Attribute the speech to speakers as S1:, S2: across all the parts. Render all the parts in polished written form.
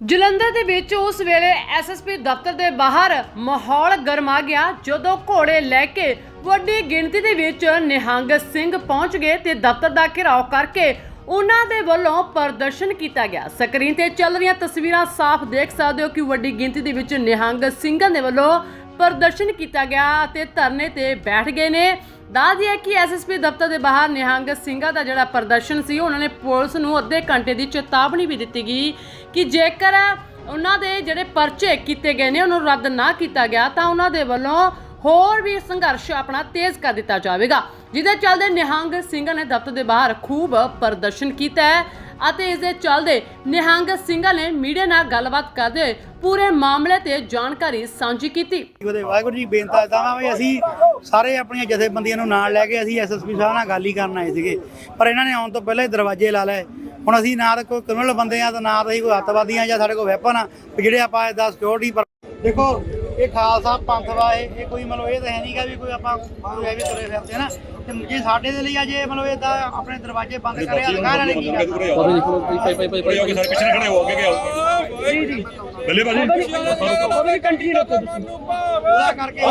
S1: ਜਲੰਧਰ ਦੇ ਵਿੱਚ ਉਸ ਵੇਲੇ ਐਸਐਸਪੀ ਦਫ਼ਤਰ ਦੇ ਬਾਹਰ ਮਾਹੌਲ ਗਰਮਾ ਗਿਆ ਜਦੋਂ ਘੋੜੇ ਲੈ ਕੇ ਵੱਡੀ ਗਿਣਤੀ ਦੇ ਵਿੱਚ ਨਿਹੰਗ ਸਿੰਘ ਪਹੁੰਚ ਗਏ ਤੇ ਦਫ਼ਤਰ ਦਾ ਘਿਰਾਓ ਕਰਕੇ ਉਹਨਾਂ ਦੇ ਵੱਲੋਂ ਪ੍ਰਦਰਸ਼ਨ ਕੀਤਾ ਗਿਆ। ਸਕਰੀਨ ਤੇ ਚੱਲ ਰਹੀਆਂ ਤਸਵੀਰਾਂ ਸਾਫ਼ ਦੇਖ ਸਕਦੇ ਹੋ ਕਿ ਵੱਡੀ ਗਿਣਤੀ ਦੇ ਵਿੱਚ ਨਿਹੰਗ ਸਿੰਘਾਂ ਦੇ ਵੱਲੋਂ ਪ੍ਰਦਰਸ਼ਨ ਕੀਤਾ ਗਿਆ ਅਤੇ ਧਰਨੇ ਤੇ ਬੈਠ ਗਏ ਨੇ। ਦੱਸ ਦਈਏ ਕਿ ਐਸਐਸਪੀ ਦਫ਼ਤਰ ਦੇ ਬਾਹਰ ਨਿਹੰਗ ਸਿੰਘਾਂ ਦਾ ਜਿਹੜਾ ਪ੍ਰਦਰਸ਼ਨ ਸੀ ਉਹਨਾਂ ਨੇ ਪੁਲਿਸ ਨੂੰ ਅੱਧੇ ਘੰਟੇ ਦੀ ਚੇਤਾਵਨੀ ਵੀ ਦਿੱਤੀ ਗਈ ਕਿ ਜੇਕਰ ਉਹਨਾਂ ਦੇ ਜਿਹੜੇ ਪਰਚੇ ਕੀਤੇ ਗਏ ਨੇ ਉਹਨੂੰ ਰੱਦ ਨਾ ਕੀਤਾ ਗਿਆ ਤਾਂ ਉਹਨਾਂ ਦੇ ਵੱਲੋਂ ਹੋਰ ਵੀ ਸੰਘਰਸ਼ ਆਪਣਾ ਤੇਜ਼ ਕਰ ਦਿੱਤਾ ਜਾਵੇਗਾ। ਜਿਹਦੇ ਚੱਲਦੇ ਨਿਹੰਗ ਸਿੰਘਾਂ ਨੇ ਦਫ਼ਤਰ ਦੇ ਬਾਹਰ ਖੂਬ ਪ੍ਰਦਰਸ਼ਨ ਕੀਤਾ ਹੈ ਅਤੇ ਇਸ ਦੇ ਚੱਲਦੇ ਨਿਹੰਗ ਸਿੰਘਾਂ ਨੇ ਮੀਡੀਆ ਨਾਲ ਗੱਲਬਾਤ ਕਰਦੇ ਹੋਏ ਪੂਰੇ ਮਾਮਲੇ ਤੇ ਜਾਣਕਾਰੀ ਸਾਂਝੀ ਕੀਤੀ।
S2: ਵਾਹਿਗੁਰੂ ਜੀ ਬੇਨਤੀ ਕਰਦਾ ਵੀ ਅਸੀਂ ਸਾਰੇ ਆਪਣੀਆਂ ਜਥੇਬੰਦੀਆਂ ਨੂੰ ਨਾਲ ਲੈ ਕੇ ਅਸੀਂ ਐਸਐਸਪੀ ਸਾਹਿਬ ਨਾਲ ਗੱਲ ਹੀ ਕਰਨ ਆਏ ਸੀਗੇ, ਪਰ ਇਹਨਾਂ ਨੇ ਆਉਣ ਤੋਂ ਪਹਿਲਾਂ ਹੀ ਦਰਵਾਜ਼ੇ ਲਾ ਲਏ। ਹੁਣ ਅਸੀਂ ਨਾ ਤਾਂ ਕੋਈ ਕ੍ਰਿਮੀਨਲ ਬੰਦੇ ਆ ਤੇ ਨਾ ਤਾਂ ਅਸੀਂ ਕੋਈ ਅੱਤਵਾਦੀ ਆ ਜਾਂ ਸਾਡੇ ਕੋਲ ਵੈਪਨ ਆ ਜਿਹੜੇ ਆਪਾਂ ਇਹਦਾ ਸਿਕਿਉਰਿਟੀ ਪਰ ਦੇਖੋ ਇਹ ਖਾਲਸਾ ਪੰਥ ਵਾ ਇਹ ਕੋਈ ਮਤਲਬ ਇਹ ਤਾਂ ਹੈ ਨਹੀਂਗਾ ਵੀ ਕੋਈ ਆਪਾਂ ਐਵੇਂ ਤੁਰੇ ਫਿਰਦੇ ਨਾ ਤੇ ਜੇ ਸਾਡੇ ਦੇ ਲਈ ਜੇ ਮਤਲਬ ਇਹਦਾ ਆਪਣੇ ਦਰਵਾਜ਼ੇ ਬੰਦ ਕਰਿਆ ਲਗਾ ਰਹੇ ਕੀ
S3: ਪਿੱਛੇ ਖੜੇ ਹੋ ਅੱਗੇ ਜੀ ਜੀ ਬੱਲੇ ਬਾਜੀ ਕੰਟੀਨਿਊ ਰੱਖੋ ਤੁਸੀਂ
S2: ਉਹਦਾ ਕਰਕੇ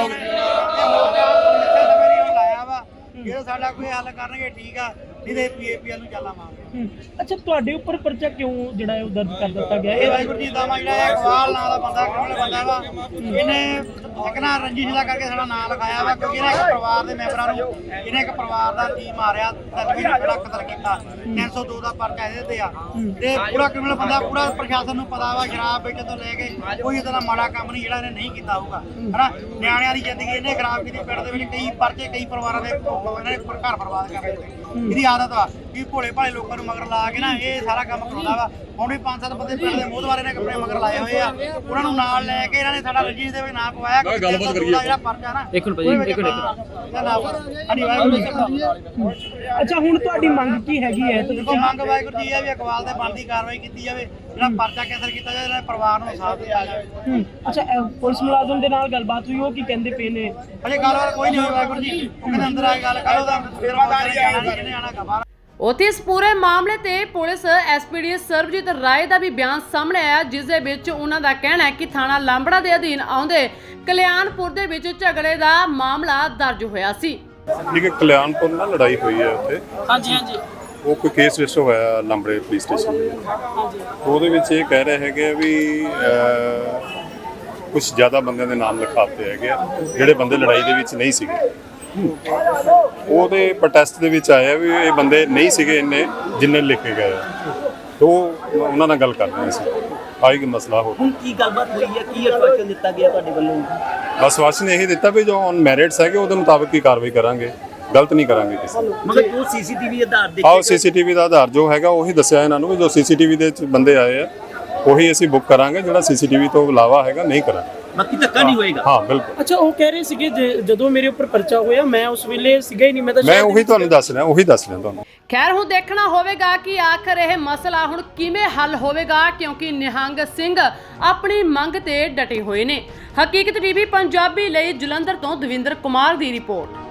S2: ਲਾਇਆ ਵਾ ਜੇ ਸਾਡਾ ਕੋਈ ਹੱਲ ਕਰਨਗੇ ਠੀਕ ਆ ਨਹੀਂ ਤੇ ਪੀਏਪੀਐਲ ਨੂੰ ਚਾਲਾ ਮਾਰਦੇ।
S4: ਅੱਛਾ, ਤੁਹਾਡੇ ਉੱਪਰ ਪਰਚਾ ਕਿਉਂ ਜਿਹੜਾ ਹੈ ਉਹ ਦਰਜ ਕਰ ਦਿੱਤਾ ਗਿਆ?
S2: ਇਹ ਵਾਹਿਗੁਰੂ ਜੀ ਦਾ ਜਿਹੜਾ ਇਕਬਾਲ ਨਾਂ ਦਾ ਬੰਦਾ ਕ੍ਰਿਮੀਨਲ ਬੰਦਾ ਵਾ ਇਹਨੇ ਇੱਕ ਨਾ ਰੰਜਿਸ਼ ਦਾ ਕਰਕੇ ਸਾਡਾ ਨਾਂ ਲਿਖਾਇਆ ਵਾ ਕਿਉਂਕਿ ਇਹਨੇ ਇੱਕ ਪਰਿਵਾਰ ਦੇ ਮੈਂਬਰਾਂ ਨੂੰ ਇਹਨੇ ਇੱਕ ਪਰਿਵਾਰ ਦਾ ਜੀ ਮਾਰਿਆ ਜਿਹੜਾ ਕਤਲ ਕੀਤਾ 302 ਦਾ ਪਰਚਾ ਇਹਦੇ ਤੇ ਆ ਤੇ ਪੂਰਾ ਕ੍ਰਿਮੀਨਲ ਬੰਦਾ ਪੂਰਾ ਪ੍ਰਸ਼ਾਸਨ ਨੂੰ ਪਤਾ ਵਾ ਸ਼ਰਾਬ ਵੇਚਣ ਤੋਂ ਲੈ ਕੇ ਕੋਈ ਇਦਾਂ ਦਾ ਮਾੜਾ ਕੰਮ ਨਹੀਂ ਜਿਹੜਾ ਇਹਨੇ ਨਹੀਂ ਕੀਤਾ ਹੋਊਗਾ ਹਨਾ। ਨਿਆਣਿਆਂ ਦੀ ਜ਼ਿੰਦਗੀ ਇਹਨੇ ਖਰਾਬ ਕੀਤੀ, ਪਿੰਡ ਦੇ ਵਿੱਚ ਕਈ ਪਰਚੇ ਕਈ ਪਰਿਵਾਰਾਂ ਦੇ ਇਹਨਾਂ ਨੇ ਘਰ ਬਰਬਾਦ ਕਰ ਦਿੱਤੇ। ਇਹਦੀ ਆਦਤ ਵਾ ਕਿ ਭੋਲੇ ਭਾਲੇ ਲੋਕਾਂ ਨੂੰ ਮਗਰ ਲਾ ਕੇ ਨਾ ਇਹ ਸਾਰਾ ਕੰਮ ਕਰਾਉਂਦਾ ਵਾ। ਹੁਣ ਵੀ 5-7 ਬੰਦੇ ਪਿੰਡ ਦੇ ਮੋਹਦਵਾਰੇ ਨੇ ਆਪਣੇ ਮਗਰ ਲਾਏ ਹੋਏ ਆ, ਉਹਨਾਂ ਨੂੰ ਨਾਲ ਲੈ ਕੇ ਇਹਨਾਂ ਨੇ ਸਾਡਾ ਰਜਿਸਟਰ ਦੇ ਵਿੱਚ ਨਾਂ ਪਵਾਇਆ ਕਿ ਗੱਲਬਾਤ ਕਰੀਏ ਜਿਹੜਾ ਪਰਚਾ ਨਾ
S4: ਇੱਕ ਮਿੰਟ ਅੱਛਾ, ਹੁਣ ਤੁਹਾਡੀ ਮੰਗ ਕੀ ਹੈਗੀ ਹੈ?
S2: ਦੇਖੋ ਮੰਗ ਵਾਹਿਗੁਰੂ ਜੀ ਆ ਵੀ ਇਕਬਾਲ ਤੇ ਬਣਦੀ ਕਾਰਵਾਈ ਕੀਤੀ ਜਾਵੇ, ਜਿਹੜਾ ਪਰਚਾ ਕੈਂਸਲ ਕੀਤਾ ਜਾਵੇ, ਇਹਨਾਂ ਪਰਿਵਾਰ ਨੂੰ ਇਨਸਾਫ ਦਿਆ ਜਾਵੇ।
S4: ਅੱਛਾ, ਪੁਲਿਸ ਮੁਲਾਜ਼ਮ ਦੇ ਨਾਲ ਗੱਲਬਾਤ ਹੋਈ, ਉਹ ਕੀ ਕਹਿੰਦੇ ਪਏ ਨੇ?
S2: ਅਜੇ ਗੱਲਬਾਤ ਕੋਈ ਨਹੀਂ ਹੋਈ ਵਾਹਿਗੁਰੂ ਜੀ, ਉਹ ਕਹਿੰਦੇ ਅੰਦਰ ਆ ਕੇ ਗੱਲ ਕਰੋ ਤਾਂ ਫਿਰ ਜਾਣਾ ਨਹੀਂ ਜਿਹਨੇ ਆਣਾ ਖਬਰ।
S1: ਉੱਥੇ ਇਸ ਪੂਰੇ ਮਾਮਲੇ ਤੇ ਪੁਲਿਸ ਐਸਪੀਡੀ ਸਰਬਜੀਤ ਰਾਏ ਦਾ ਵੀ ਬਿਆਨ ਸਾਹਮਣੇ ਆਇਆ, ਜਿਸ ਦੇ ਵਿੱਚ ਉਹਨਾਂ ਦਾ ਕਹਿਣਾ ਹੈ ਕਿ ਥਾਣਾ ਲਾਂਬੜਾ ਦੇ ਅਧੀਨ ਆਉਂਦੇ ਕਲਿਆਣਪੁਰ ਦੇ ਵਿੱਚ ਝਗੜੇ ਦਾ ਮਾਮਲਾ ਦਰਜ ਹੋਇਆ ਸੀ।
S3: ਠੀਕ ਕਲਿਆਣਪੁਰ ਨਾਲ ਲੜਾਈ ਹੋਈ ਹੈ ਉੱਥੇ।
S4: ਹਾਂਜੀ ਹਾਂਜੀ,
S3: ਉਹ ਕੋਈ ਕੇਸ ਰਜਿਸਟਰ ਹੋਇਆ ਲਾਂਬੜੇ ਪੁਲਿਸ ਸਟੇਸ਼ਨ ਦੇ। ਉਹਦੇ ਵਿੱਚ ਇਹ ਕਹਿ ਰਹੇ ਹੈਗੇ ਵੀ ਕੁਝ ਜ਼ਿਆਦਾ ਬੰਦਿਆਂ ਦੇ ਨਾਮ ਲਿਖਾਤੇ ਹੈਗੇ ਜਿਹੜੇ ਬੰਦੇ ਲੜਾਈ ਦੇ ਵਿੱਚ ਨਹੀਂ ਸੀਗੇ। ਉਹਦੇ ਪ੍ਰੋਟੈਸਟ ਦੇ ਵਿੱਚ ਆਇਆ ਵੀ ਇਹ ਬੰਦੇ ਨਹੀਂ ਸੀਗੇ ਇੰਨੇ ਜਿੰਨੇ ਲਿਖੇ ਗਏ ਤੋਂ ਉਹਨਾਂ ਨਾਲ ਗੱਲ ਕਰ ਰਹੇ ਸੀ। ਆਈ ਕਿ ਮਸਲਾ ਹੋ
S4: ਹੁਣ ਕੀ ਗੱਲਬਾਤ ਹੋਈ ਹੈ? ਕੀ ਆਸ਼ਵਾਸਨ ਦਿੱਤਾ ਗਿਆ ਤੁਹਾਡੇ ਵੱਲੋਂ?
S3: ਆਸ਼ਵਾਸਨ ਇਹੀ ਦਿੱਤਾ ਵੀ ਜੋ ਔਨ ਮੈਰਿਟਸ ਹੈਗੇ ਉਹਦੇ ਮੁਤਾਬਕ ਹੀ ਕਾਰਵਾਈ ਕਰਾਂਗੇ, ਗਲਤ ਨਹੀਂ ਕਰਾਂਗੇ ਕਿਸੇ ਨੂੰ।
S4: ਮਤਲਬ ਜੋ ਸੀਸੀਟੀਵੀ ਆਧਾਰ ਦੇ
S3: ਆਓ ਸੀਸੀਟੀਵੀ ਦਾ ਆਧਾਰ ਜੋ ਹੈਗਾ ਉਹੀ ਦੱਸਿਆ ਇਹਨਾਂ ਨੂੰ ਵੀ ਜੋ ਸੀਸੀਟੀਵੀ ਦੇ ਵਿੱਚ ਬੰਦੇ ਆਏ ਆ ਉਹੀ ਅਸੀਂ ਬੁੱਕ ਕਰਾਂਗੇ, ਜਿਹੜਾ ਸੀਸੀਟੀਵੀ ਤੋਂ ਇਲਾਵਾ ਹੈਗਾ ਨਹੀਂ ਕਰਾਂਗੇ।
S4: ਬਾਕੀ ਧੱਕਾ ਨਹੀਂ ਹੋਏਗਾ? ਹਾਂ ਬਿਲਕੁਲ। ਅੱਛਾ, ਉਹ ਕਹਿ ਰਹੇ ਸੀਗੇ ਜਦੋਂ ਮੇਰੇ ਉੱਪਰ ਪਰਚਾ ਹੋਇਆ ਮੈਂ ਉਸ ਵੇਲੇ ਸੀਗਾ ਹੀ ਨਹੀਂ, ਮੈਂ
S3: ਉਹੀ ਤੁਹਾਨੂੰ ਦੱਸ ਰਿਹਾ ਤੁਹਾਨੂੰ।
S1: ਖੈਰ ਹੁਣ ਦੇਖਣਾ ਹੋਵੇਗਾ ਕਿ ਆਖਰ ਇਹ ਮਸਲਾ ਹੁਣ ਕਿਵੇਂ ਹੱਲ ਹੋਵੇਗਾ, ਕਿਉਂਕਿ ਨਿਹੰਗ ਸਿੰਘ ਆਪਣੀ ਮੰਗ ਤੇ ਡਟੇ ਹੋਏ ਨੇ। ਹਕੀਕਤ ਟੀਵੀ ਪੰਜਾਬੀ ਲਈ ਜਲੰਧਰ ਤੋਂ ਦਵਿੰਦਰ ਕੁਮਾਰ ਦੀ ਰਿਪੋਰਟ।